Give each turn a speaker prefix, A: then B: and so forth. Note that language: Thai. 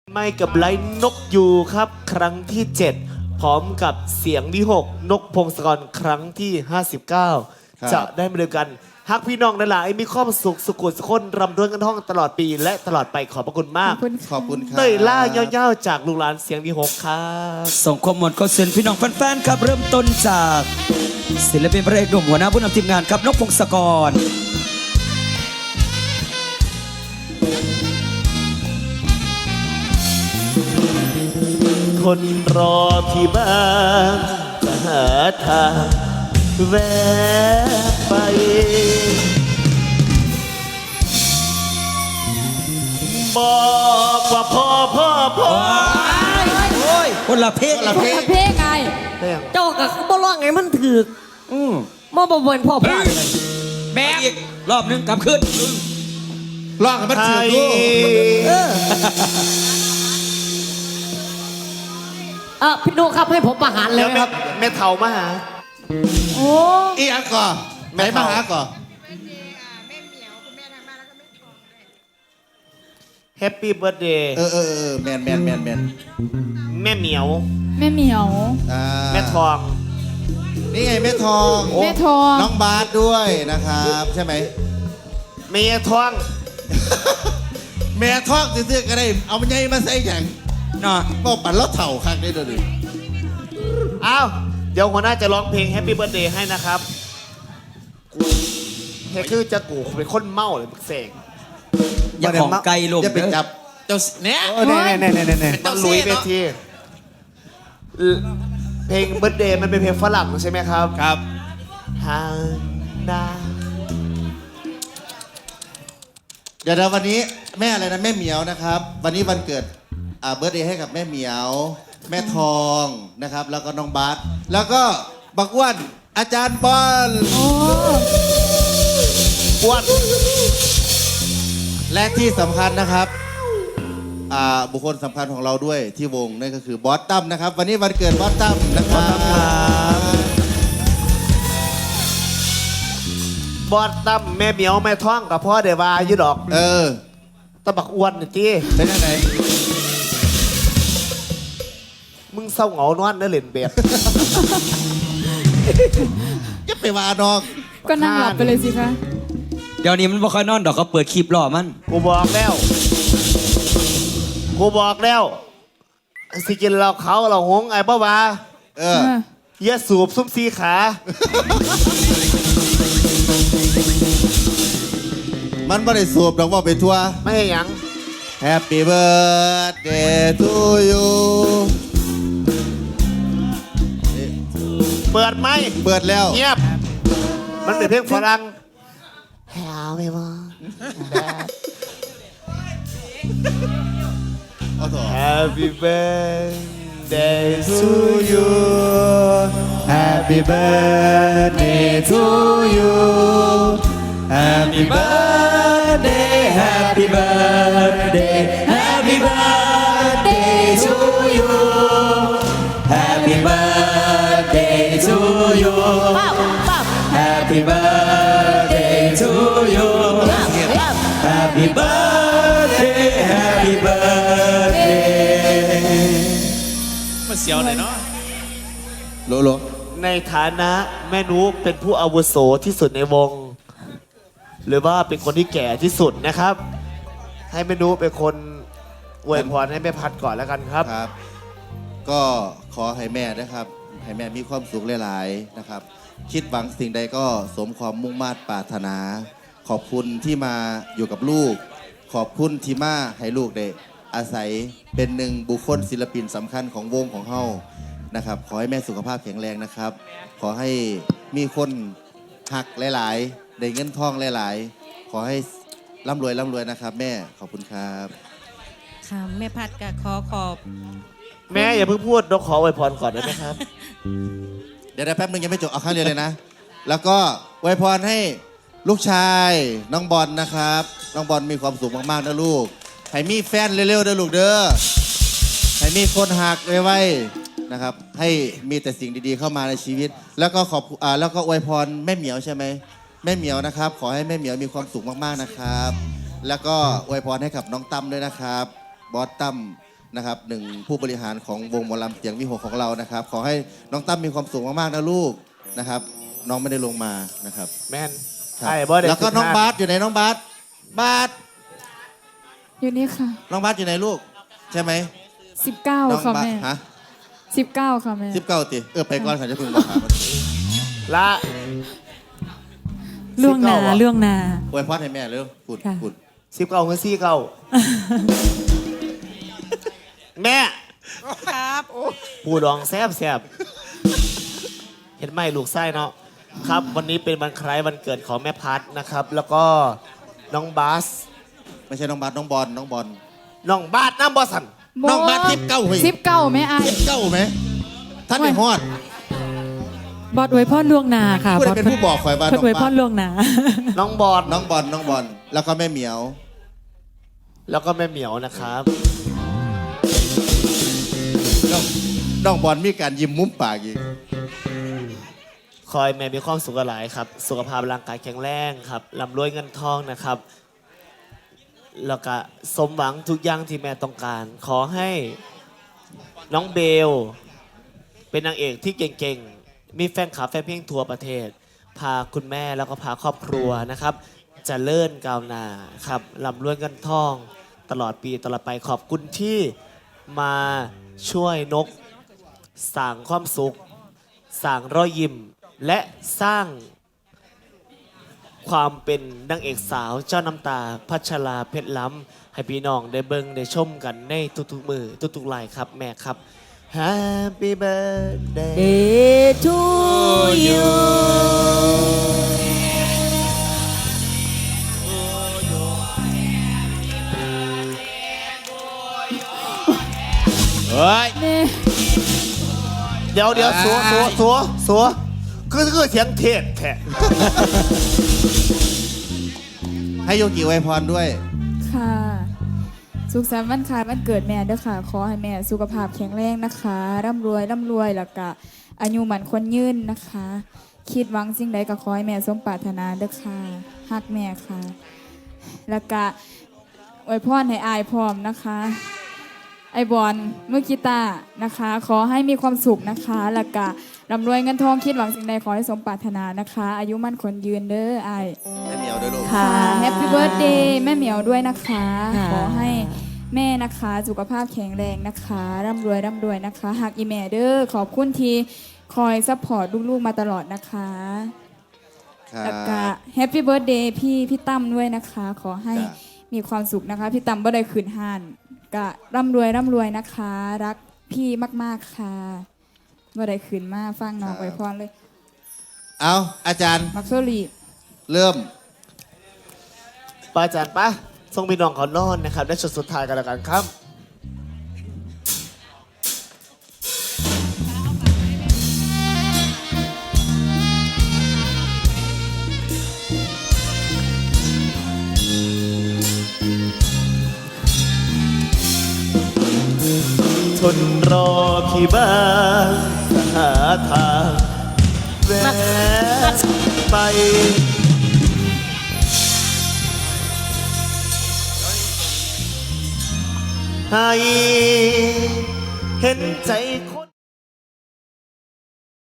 A: ไม่กับไลฟ์นกยูครับครั้งที่ 7 พร้อมกับเสียงที่ 6 นกพงศกรครั้งที่ 59 จะได้มาเดียวกันฮักพี่น้องนั่นแหละมีความสุขสุขุสุขคนรำด้วยกันท่องตลอดปีและตลอดไปขอบพระคุณมาก
B: ขอบคุณครับ
A: เต้ยล่าเย้าๆจากลูกหลานเสียงที่ 6 ครับ
C: ส่งความหมดก็เสียนพี่น้องแฟนๆครับเริ่มต้นจากศิลปินพระเอกหนุ่มหัวหน้าผู้นำทีมงานครับนกพงศกร
A: คนรอที่บ้านจะหาทางแวะไปบอกว่าพ่อ
C: โอ้ยคนละเพลง
D: เพลงไง
A: เรื่อง
D: เจ้ากับบ่ร้องไงมันถือกบ่บ่เป็นพ่อพลาดเลย
C: แบกอีกรอบหนึงกลับขึ้น
B: ร้องให้มันถือดู
D: พี่โนครับให้ผมประหารเลย
A: แล้ว
D: ครับ
A: แม่เฒ่ามาหา
D: โอ้
B: อีอันก่อนไหนมาหาก่อน
A: แฮปปี้เบิร์ดเดย์
B: แมน
A: แม่เหมียว
D: แม่เหมียว
A: แม่ทอง
B: นี่ไงแม่ทอง
D: แม่ทอง
B: น้องบาสด้วยนะครับใช่ไหม
A: เมียทอง
B: แม่ทองซื่อๆก็ได้เอามันใหญ่มาใส่อย่าง
C: เนาะ
B: ก็ปั่นแล้วเถ่าคักได้ด้วยดิ
A: อ้าวเดี๋ยวหัวหน้าจะร้องเพลงแฮปปี้เบิร์ดเดย์ให้นะครับเฮคือจะกูเป็นคนเมาเลยมึกเสก
C: อย่าของไกลลม
B: จะไปจับเจ้าเนี่ย
A: มันลุยเวทีเพลงเบิร์ดเดย์มันเป็นเพลงฝรั่งใช่ไหมครับ
B: ครับ
A: ฮานา
B: เดี๋ยววันนี้แม่อะไรนะแม่เหมียวนะครับ วันนี้วันเกิดเบิร์ธเดย์ให้กับแม่เหมียว แม่ทองนะครับ แล้วก็น้องบาสแล้วก็บักอ้วนอาจารย์บอล
A: อ้วน
B: และที่สำคัญนะครับบุคคลสำคัญของเราด้วยที่วงนั่นก็คือบอสตั้มนะครับ วันนี้วันเกิดบอสตั้มนะครับ
A: บอดตั้มแม่เหมียวแม่ท้องกับพ่อเดวาอยู่ดอก ตะบักอ้วนนี่จี
B: เป็นยังไง
A: มึงเศร้าเหงานอนเนื้อเล่นเบียด
B: จะไปว่าน้อง
D: ก็นั่งหลับไปเลยสิคะ
C: เดี๋ยวนี้มันบ่ค่อยนอนดอกเขาเปิดคลิปรอมัน
A: กูบอกแล้วสิกินเราเขาเราหงไอ้บ้าวาเยอะสูบซุ้มซีขา
B: มันไม่ได้สูบดอกว่าไปทัวร์
A: ไม่ให้หยัง
B: Happy birthday to you
A: เปิดไหม
B: เปิดแล้ว
A: เงียบ มันเป็นเพลงฝรั่ง Happy birthday
B: เอาต่อ
A: Happy birthday to you
B: Happy birthday to you Happy birthday Happy birthday Happy birthday to you Happy birthday to you Happy birthday to you Happy birthday Happy birthday
E: มันเสียวเลยเนาะ
B: โล
A: ในฐานะแม่นุเป็นผู้อาวุโสที่สุดในวง หรือว่าเป็นคนที่แก่ที่สุดนะครับ ให้แม่นุเป็นคนอวยพรให้แม่พัดก่อนแล้วกันครับ
B: ครับ ก็ขอให้แม่นะครับ ให้แม่มีความสุขหลายๆนะครับ คิดหวังสิ่งใดก็สมความมุ่งมา่ปรารถนา ขอบคุณที่มาอยู่กับลูก ขอบคุณที่มาให้ลูกได้อาศัยเป็นหนึ่งบุคคลศิลปินสำคัญของวงของเฮานะครับ ขอให้แม่สุขภาพแข็งแรงนะครับ ขอให้มีคนหักหลายๆได้เงินทองหลายๆ ขอให้ร่ำรวยนะครับ แม่ขอบคุณครับ
F: ค่ะแม่พัดก็ขอบ
A: แม่อย่าเพิ่งพูดเราขออวยพรก่อนได้ไหมครับ
B: เดี๋ยวแป๊บนึงยังไม่จบเอาข้างเดียวเลยนะ แล้วก็อวยพรให้ลูกชายน้องบอลนะครับ น้องบอลมีความสุขมากๆนะลูก ให้มีแฟนเร็วๆเด้อลูกเด้อ ให้มีคนหักไว้ๆนะครับ ให้มีแต่สิ่งดีๆเข้ามาในชีวิต แล้วก็แล้วก็อวยพรแม่เหมียวใช่ไหมแม่เหมียวนะครับ ขอให้แม่เหมียวมีความสุขมากๆนะครับ แล้วก็อวยพรให้กับน้องตั้มด้วยนะครับ บอสตั้มนะครับหนึ่งผู้บริหารของวงหมอลำเสียงวิหกของเรานะครับ ขอให้น้องตั้มมีความสุขมากๆนะลูกนะครับ น้องไม่ได้ลงมานะครับ
A: แม่น
B: ครับ
A: ไอ้บ่ได้
B: แล้วก็น้อง
A: 15
B: บาสอยู่ไหนน้องบาสบาส
G: อยู่นี่ค่ะ
B: น้องบาสอยู่ไหนลูก ใช่ไหม
G: 19
B: น้อง
G: ค่ะ
B: บาส
G: แม่
B: ฮะ
G: 19 ค่ะแม่
B: 19ติไปก่อนค่ะจะพึ่งมาถาม
A: ละ
F: ล่วงหนา
A: 19วะ
F: ล่วงหนา
B: อวยพรให้แม่เร็วพูด
F: ค่ะ
B: พูด
A: 19เงิน49แม่ครับผู้ดองแซบเห็นไหมลูกไส้เนาะครับ วันนี้เป็นวันคล้ายวันเกิดของแม่พัดนะครับ แล้วก็น้องบาส
B: ไม่ใช่น้องบาสน้องบอลน้องบอล
A: น้องบาสน้ำบอสัน
B: น้องบาส19เฮ้ย
G: 19แม่อาย
B: 19ไหมท่านไม่ฮอด
F: บอดอวยพรล่วงหนาค่ะ
B: ผู้ใดเป็นผู้บอกข่อยว่า
F: เพิ่น
B: น้อง
F: อวยพ
B: บาร ส
F: ล่วงหนา
A: น้องบอล
B: น้องบอลน้องบอลแล้วก็แม่เหมียว
A: แล้วก็แม่เหมียวนะครับ
B: น้องบอลมีการยิ้มมุมปากอีก
A: คอยแม่มีความสุขหลายครับ สุขภาพร่างกายแข็งแรงครับร่ำรวยเงินทองนะครับ แล้วก็สมหวังทุกอย่างที่แม่ต้องการ ขอให้น้องเบล เป็นนางเอกที่เก่งๆ มีแฟนคลับแฟนเพลงทั่วประเทศ พาคุณแม่แล้วก็พาครอบครัวนะครับเจะเลื่อนก้าวหน้าครับร่ำรวยเงินทอง ตลอดปีตลอดไปขอบคุณที่มาช่วยนกสร้างความสุขสร้างรอยยิ้ม และสร้างความเป็นนางเอกสาวเจ้าน้ำตาพัชราเพชรล้ำให้พี่น้องได้เบิ่งได้ชมกันในทุกๆมือทุกๆไลน์ครับแม่ครับ Happy birthday
F: Day to you
E: เฮ้ย
G: แม่
A: เดี๋ยวสัวคือเสียงเทศแท้
B: ให้โยกิไวยพรด้วย
G: ค่ะ สุขสันต์วันคล้ายวันเกิดแม่เด้อค่ะ ขอให้แม่สุขภาพแข็งแรงนะคะร่ำรวยแล้วก็อายุหมันคนยืนนะคะ คิดหวังสิ่งใดก็ขอให้แม่สมปรารถนาเด้อค่ะฮักแม่ค่ะ แล้วก็อวยพรให้อายพร้อมนะคะ ไอบอลมือกีตาร์นะคะ ขอให้มีความสุขนะคะแล้วก็ร่ำรวยเงินทองคิดหวังสิ่งใดขอให้สมปรารถนานะคะ อายุมั่นคนยืนเด้อไอาย
B: แม่เหมียวด้วยลูก
G: ค่ะแฮปปี้เบิร์ดเดย์แม่เหมียวด้วยนะคะ
F: ค่ะ
G: ขอให้แม่นะคะสุขภาพแข็งแรงนะคะร่ำรวยนะคะหากอีแม่เด้อขอบคุณที่คอยซัพพอร์ตลูกๆมาตลอดนะคะ
B: ครับ
G: แล้วก็แฮปปี้เบิร์ดเดย์พี่ตั้มด้วยนะคะ ขอให้
B: จ้ะ
G: มีความสุขนะคะ พี่ตั้มบ่ได้ขืนห่านก็ร่ำรวยนะคะ รักพี่มากๆค่ะบ่ได้ขืนมากฟังน้องไว้พรเลย
B: เอาอาจารย์
G: มักโซลี
B: เริ่ม
A: ป้าอาจารย์ป้าส่งพี่น้องเขานอนนะครับได้ชุดสุดท้ายกันแล้วกันครับ ทนรอพี่บ้างหาทางแวะไป ให้เห็นใจคน